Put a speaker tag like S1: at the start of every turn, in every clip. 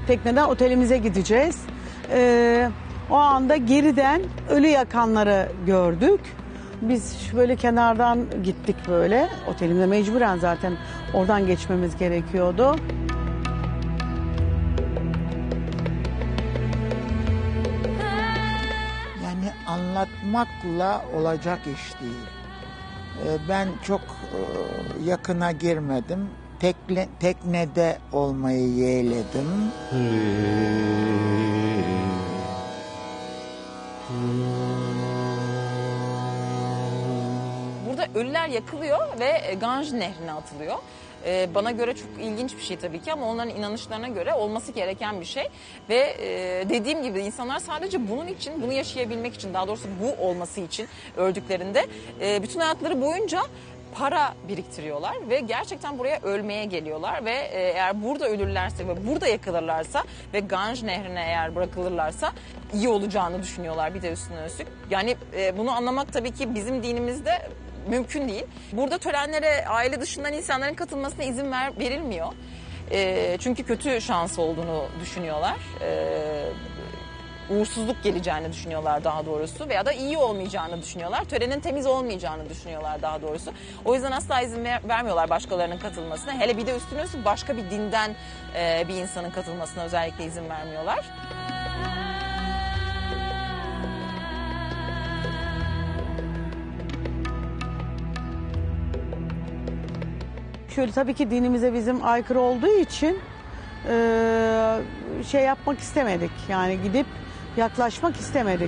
S1: tekneden otelimize gideceğiz. O anda geriden ölü yakanları gördük. Biz böyle kenardan gittik böyle. Otelimize mecburen zaten oradan geçmemiz gerekiyordu.
S2: Yani anlatmakla olacak iş değil. Ben çok yakına girmedim. Teknede olmayı yeğledim.
S3: Burada ölüler yakılıyor ve Ganj Nehri'ne atılıyor. Bana göre çok ilginç bir şey tabii ki ama onların inanışlarına göre olması gereken bir şey. Ve dediğim gibi insanlar sadece bunun için, bunu yaşayabilmek için, daha doğrusu bu olması için öldüklerinde bütün hayatları boyunca para biriktiriyorlar ve gerçekten buraya ölmeye geliyorlar ve eğer burada ölürlerse ve burada yakılırlarsa ve Ganj Nehri'ne eğer bırakılırlarsa iyi olacağını düşünüyorlar bir de üstüne üstlük. Yani bunu anlamak tabii ki bizim dinimizde mümkün değil. Burada törenlere aile dışından insanların katılmasına izin verilmiyor. Çünkü kötü şans olduğunu düşünüyorlar. Uğursuzluk geleceğini düşünüyorlar daha doğrusu veya da iyi olmayacağını düşünüyorlar. Törenin temiz olmayacağını düşünüyorlar daha doğrusu. O yüzden asla izin vermiyorlar başkalarının katılmasına. Hele bir de üstüne üstlük başka bir dinden bir insanın katılmasına özellikle izin vermiyorlar.
S1: Şöyle tabii ki dinimize bizim aykırı olduğu için şey yapmak istemedik. Yani gidip yaklaşmak istemedik.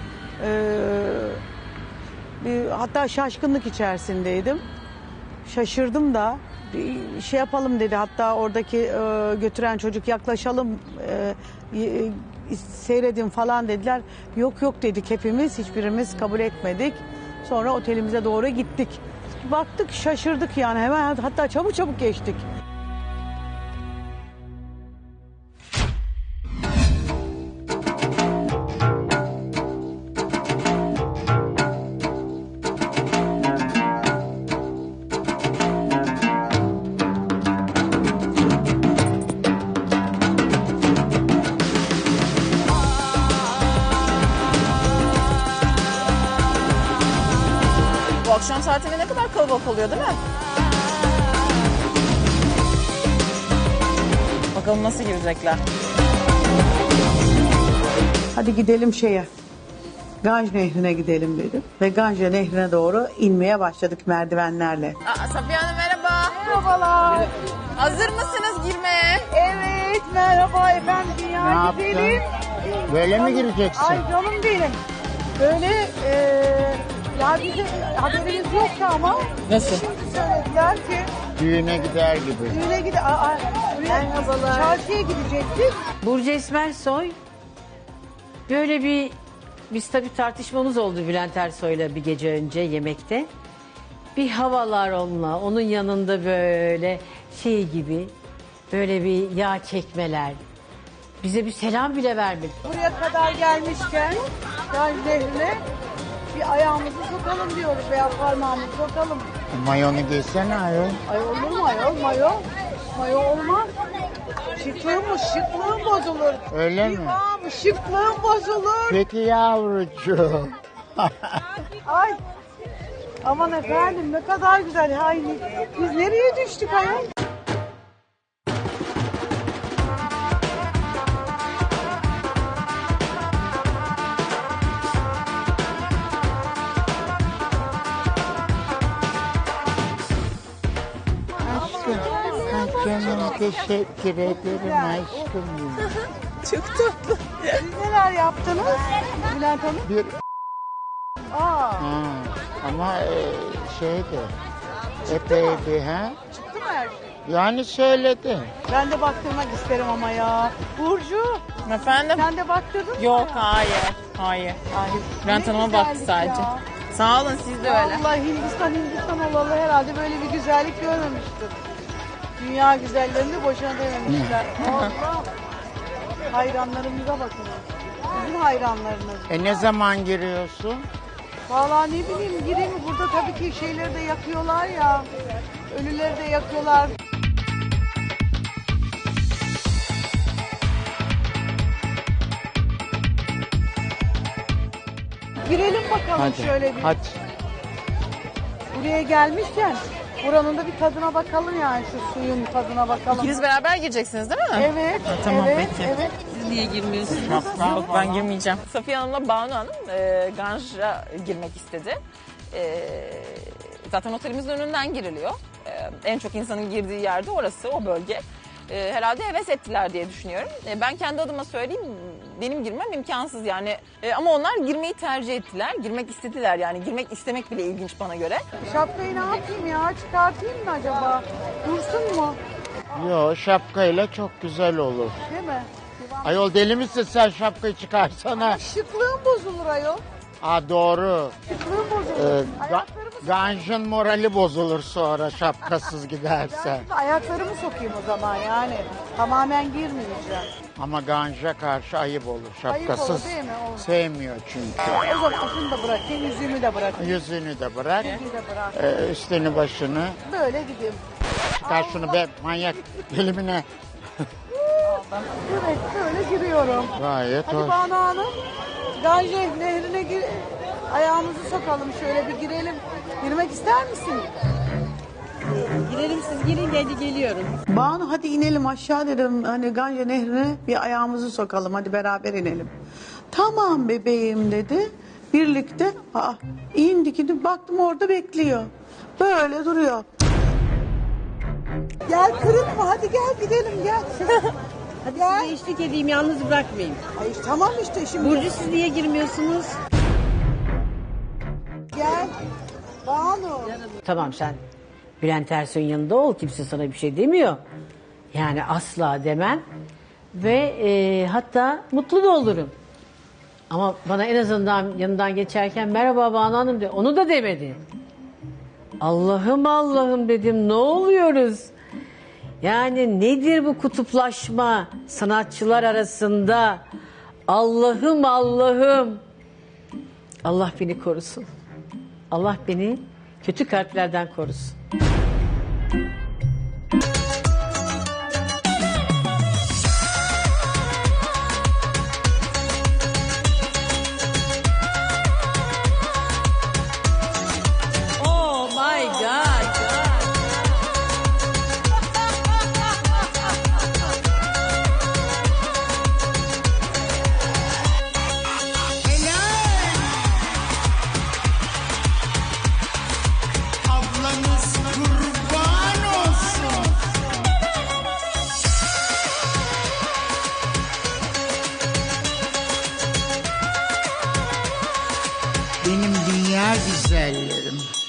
S1: Hatta şaşkınlık içerisindeydim. Şaşırdım da bir şey yapalım dedi. Hatta oradaki götüren çocuk yaklaşalım seyredin falan dediler. Yok yok dedik hepimiz, hiçbirimiz kabul etmedik. Sonra otelimize doğru gittik. Baktık şaşırdık yani hemen hatta çabuk geçtik.
S3: Bu akşam saatinde ne kadar kalabalık oluyor değil mi? Bakalım nasıl girecekler.
S1: Hadi gidelim şeye. Ganj Nehri'ne gidelim dedim. Ve Ganj Nehri'ne doğru inmeye başladık merdivenlerle.
S3: Safiye Hanım merhaba.
S4: Merhabalar.
S3: Hazır mısınız girmeye?
S4: Evet, merhaba efendim.
S2: Ne
S4: Dünya
S2: yaptın?
S4: güzelim.
S2: Böyle mi gireceksin?
S4: Ay canım benim. Böyle ya bizim haberimiz yoktu ama.
S3: Nasıl?
S4: Şimdi söylediler ki
S2: Düğüne gider gibi.
S4: düğüne merhabalar. Çarşıya gidecektik.
S5: Burcu Esmersoy böyle biz tabii tartışmamız oldu Bülent Ersoy'la bir gece önce yemekte. Bir havalar onunla, onun yanında böyle şey gibi böyle bir yağ çekmeler. Bize bir selam bile vermedi.
S4: Buraya kadar gelmişken Ganj Nehri'ne bir ayağımızı sokalım diyoruz veya parmağımızı sokalım.
S2: Mayonu giysene ayol.
S4: Ay olur mu ayol? Mayo olmaz. Şıklığım bozulur.
S2: Öyle mi?
S4: İmam şıklığım bozulur.
S2: Peki yavrucuğum.
S4: Ay. Aman efendim ne kadar güzel. Ay, biz nereye düştük ayol?
S2: Aşkım. Ay canım teşekkür ederim aşkım.
S3: Çok tatlı.
S4: Siz neler yaptınız Bülent Hanım?
S2: Bir
S4: Aa,
S2: ha, ama şeydi. Epeydi ha.
S4: çıktı mı her şey?
S2: Yani söyledi.
S4: Ben de baktırmak isterim ama ya. Burcu
S3: Efendim?
S4: sen de baktırdın mı?
S3: Yok hayır. Hayır.
S4: Ay,
S3: Bülent
S4: ne
S3: Hanım'a baktı
S4: güzellik
S3: sadece.
S4: ya.
S3: Sağ olun siz de öyle.
S4: Vallahi Hindistan olalı herhalde böyle bir güzellik görmemiştir. Dünya güzellerini boşuna dememişler. Allah. Hayranlarımıza bakın. Bizim hayranlarımız.
S2: Ne zaman giriyorsun?
S4: Vallahi ne bileyim gireyim mi? Burada tabii ki şeyleri de yakıyorlar ya. Ölüleri de yakıyorlar. girelim bakalım
S2: Hadi.
S4: şöyle bir.
S2: Hadi.
S4: Buraya gelmişken buranın da bir tadına bakalım yani şu suyun tadına bakalım.
S3: İkiniz beraber gireceksiniz değil mi?
S4: Evet.
S3: tamam,
S4: evet,
S3: peki.
S4: Evet.
S3: Siz niye girmiyorsunuz?
S2: Şapka
S3: Yok, ben
S2: falan.
S3: girmeyeceğim. Safiye Hanım'la Banu Hanım Ganj'a girmek istedi. Zaten otelimizin önünden giriliyor. En çok insanın girdiği yerde orası, o bölge. Herhalde heves ettiler diye düşünüyorum. Ben kendi adıma söyleyeyim, benim girmem imkansız yani. Ama onlar girmeyi tercih ettiler, girmek istediler yani. Girmek istemek bile ilginç bana göre.
S4: Şapkayı ne yapayım ya? Çıkartayım mı acaba? Dursun mu?
S2: Yo, şapkayla çok güzel olur.
S4: Değil mi?
S2: Ayol deli misin sen, şapkayı çıkarsana.
S4: Şıklığım bozulur ayol.
S2: Aa doğru.
S4: Şıklığım
S2: Ee,
S4: bozulur.
S2: Ga-
S4: Ayaklarımı
S2: Ganj'ın morali bozulur sonra şapkasız giderse.
S4: Ben şimdi ayaklarımı sokayım o zaman yani. Tamamen girmeyeceğim.
S2: Ama Ganj'a karşı ayıp olur. Şapkasız
S4: olur, değil mi? Olur.
S2: sevmiyor çünkü.
S4: O zaman şunu da bırakayım, yüzüğümü de bırakayım.
S2: Yüzünü de bırak,
S4: Yüzüğü de bırak.
S2: üstünü başını.
S4: Böyle gideyim.
S2: Çıkar şunu be manyak elimine.
S4: Evet, böyle giriyorum.
S2: Gayet
S4: Hadi
S2: hoş.
S4: Banu Hanım, Gange nehrine ayağımızı sokalım, şöyle bir girelim. Girmek ister misin?
S5: Girelim siz girin hadi geliyorum.
S1: Banu hadi inelim aşağı dedim. Hani Ganje Nehri'ne bir ayağımızı sokalım. Hadi beraber inelim. Tamam bebeğim dedi. Birlikte indik baktım orada bekliyor. Böyle duruyor.
S4: Gel kırılma, hadi gel gidelim gel. Hadi gel.
S5: Size eşlik edeyim yalnız bırakmayayım.
S4: Ay, tamam işte şimdi.
S5: Burcu siz niye girmiyorsunuz?
S4: Gel. Banu.
S5: Tamam sen Bülent Ersoy'un yanında ol. Kimse sana bir şey demiyor. Yani asla demem. Ve hatta mutlu da olurum. Ama bana en azından yanından geçerken merhaba Banu Hanım de. Onu da demedi. Allah'ım Allah'ım dedim. Ne oluyoruz? Yani nedir bu kutuplaşma sanatçılar arasında? Allah'ım Allah'ım. Allah beni korusun. Allah beni kötü kalplerden korusun. Oh my God.
S2: Ablanız kurban olsun. Benim dünya güzellerim.